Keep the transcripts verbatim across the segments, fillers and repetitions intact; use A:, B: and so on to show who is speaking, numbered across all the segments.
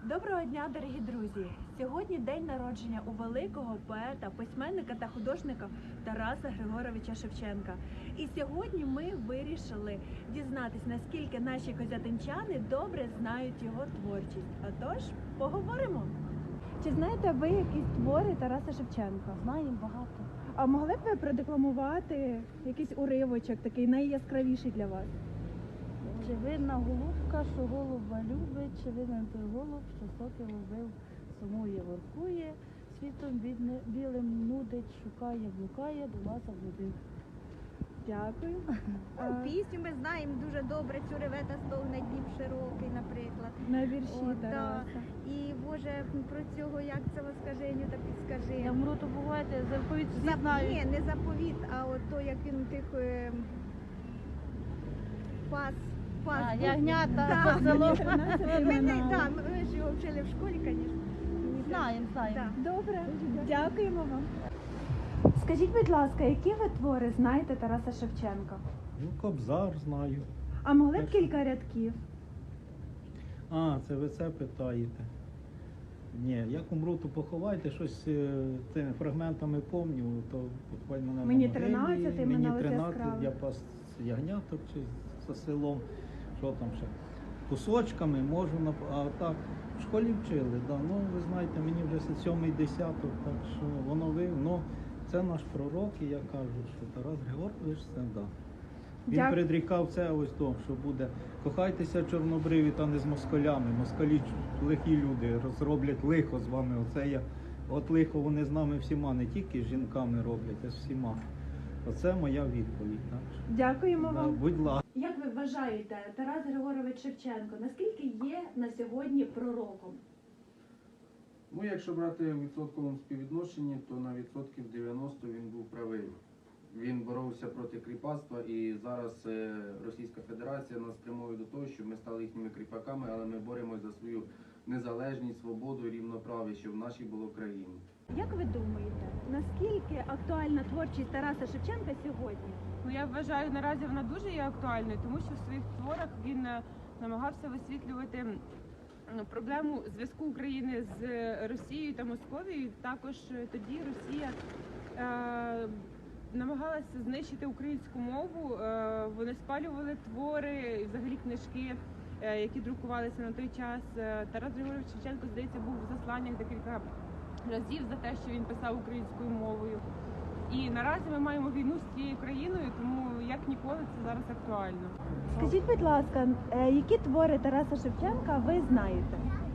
A: Доброго дня, дорогі друзі! Сьогодні день народження у великого поета, письменника та художника Тараса Григоровича Шевченка. І сьогодні ми вирішили дізнатись, наскільки наші козятинчани добре знають його творчість. Отож, поговоримо! Чи знаєте ви якісь твори Тараса Шевченка?
B: Знаємо багато.
A: А могли б ви продекламувати якийсь уривочок, такий найяскравіший для вас?
B: Чи винна голубка, що голуба любить, чи винен той голуб, що сокіл убив, сумує, воркує, світом бідне, білим нудить, шукає, блукає, до вас облюбив.
A: Дякую.
C: Ну, пісню ми знаємо дуже добре, цю ревета стогне Дніп широкий, наприклад.
A: На вірші
C: О, да.
A: Тараса.
C: І, Боже, про цього, як це воскаженню, та підскажи.
B: Я мру, то бувайте, заповідь всі
C: За-
B: знають.
C: Ні, не заповіт, а от то, як він тих е, пас, пас.
B: А,
C: був.
B: ягнята,
C: Да.
B: по селу.
C: Ми, не, да, ми ж його вчили в школі, звісно.
B: Знаємо, знаємо.
C: Да.
A: Добре, дякуємо вам. Скажіть, будь ласка, які ви твори знаєте Тараса Шевченка?
D: Ну, Кобзар знаю.
A: А могли б
D: Так.
A: кілька рядків?
D: А, це ви це питаєте. Ні, як умру, то поховайте, щось е, тими фрагментами помню, то буквально на
A: Мені
D: могилі,
A: тринадцять,
D: мені
A: імена ось
D: тринадцять,
A: яскраві.
D: я пас ягняток чи за селом, що там ще. Кусочками можу, нап- а так, в школі вчили, да. Ну, ви знаєте, мені вже це сьомий десяток, так що воно ви, ну, це наш пророк, і я кажу, що Тарас Григорович це, да. Він
A: Дя-
D: предрікав це ось то, що буде кохайтеся чорнобриві та не з москалями. Москалі лихі люди розроблять лихо з вами. Оце я, от лихо вони з нами всіма, не тільки з жінками роблять, а з всіма. Оце моя відповідь. Так? що,
A: Дякуємо
D: да,
A: вам.
D: будь ласка.
A: Як ви вважаєте, Тарас Григорович Шевченко, наскільки є на сьогодні пророком?
E: Ну, якщо брати в відсотковому співвідношенні, то на відсотків дев'яносто він був правий. Він боровся проти кріпацтва, і зараз е, Російська Федерація нас спрямує до того, щоб ми стали їхніми кріпаками, але ми боремось за свою незалежність, свободу і рівноправ'я, щоб в нашій було країні.
A: Як ви думаєте, наскільки актуальна творчість Тараса Шевченка сьогодні?
F: Ну, я вважаю, наразі вона дуже є актуальною, тому що в своїх творах він е, намагався висвітлювати м, проблему зв'язку України з Росією та Московією. Також е, тоді Росія е, намагалася знищити українську мову. Е, вони спалювали твори, і взагалі книжки, е, які друкувалися на той час. Е, Тарас Григорович Шевченко, здається, був в засланнях декілька разів за те, що він писав українською мовою. І наразі ми маємо війну з цією країною, тому як ніколи це зараз актуально.
A: Скажіть, будь ласка, е, які твори Тараса Шевченка ви знаєте?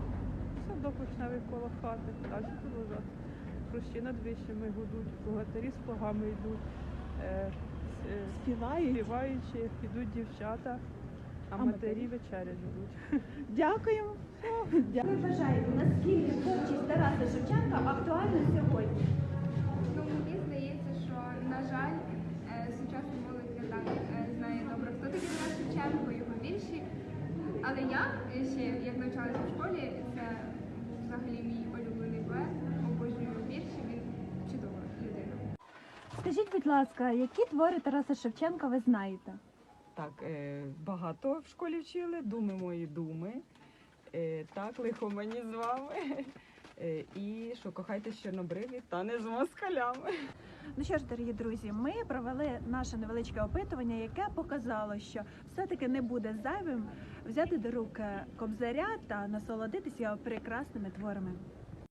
G: Садок вишневий коло хати, далі продовжати. Хрущі над вищими гудуть, богатирі з плугами йдуть, е, с- е,
A: Співають?
G: співаючи, йдуть дівчата, а
A: А
G: матері
A: матері?
G: вечерять ждуть.
A: Дякуємо. Як ви вважаєте, наскільки творчість Тараса Шевченка актуальна сьогодні?
H: Ну, мені здається, що, на жаль, е, сучасна молодь не так е, знає добре, хто такий Тарас Шевченко, його вірші. Але я е, ще, як навчалася в школі, це був взагалі мій улюблений поет, обожнюю його вірші, він чудова людина.
A: Скажіть, будь ласка, які твори Тараса Шевченка ви знаєте?
I: Так, е, багато в школі вчили, думи мої думи. Е, так, лихо мені з вами. Е, і що кохайтесь чорнобриві та не з москалями.
A: Ну що ж, дорогі друзі, ми провели наше невеличке опитування, яке показало, що все-таки не буде зайвим взяти до рук Кобзаря та насолодитися його прекрасними творами.